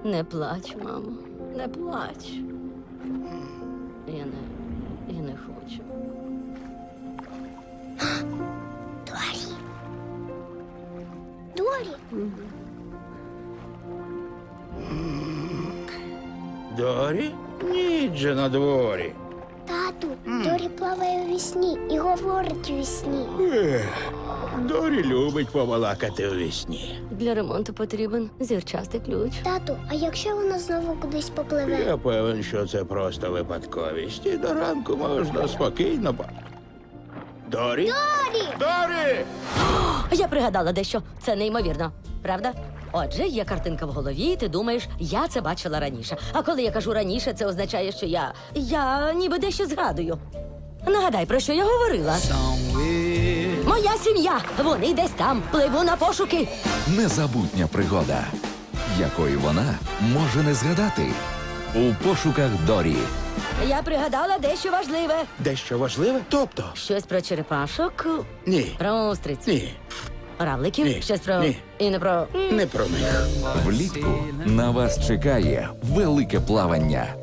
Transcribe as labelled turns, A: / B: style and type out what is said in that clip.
A: Не плач, мамо, не плач. Я не хочу.
B: Дорі. Дорі.
C: Дорі? Ніч же на дворі.
B: Тату, Дорі плаває у вісні і говорить у вісні.
C: Дорі любить побалакати у вісні.
A: Для ремонту потрібен зірчастий ключ.
B: Тату, а якщо вона знову кудись попливе?
C: Я певен, що це просто випадковість. І до ранку можна спокійно Дорі?
B: Дорі!
C: Дорі!
A: Я пригадала дещо. Це неймовірно. Правда? Отже, є картинка в голові, і ти думаєш, я це бачила раніше. А коли я кажу раніше, це означає, що я ніби дещо згадую. Нагадай, про що я говорила. Моя сім'я! Вони десь там. Пливу на пошуки.
D: Незабутня пригода, якої вона може не згадати. У пошуках Дорі.
A: Я пригадала дещо важливе.
C: Дещо важливе? Тобто?
A: Щось про черепашок,
C: Ні.
A: про устриць,
C: Ні.
A: равликів,
C: Ні.
A: щось про...
C: Ні.
A: І не про...
C: Не про них.
D: Влітку на вас чекає велике плавання.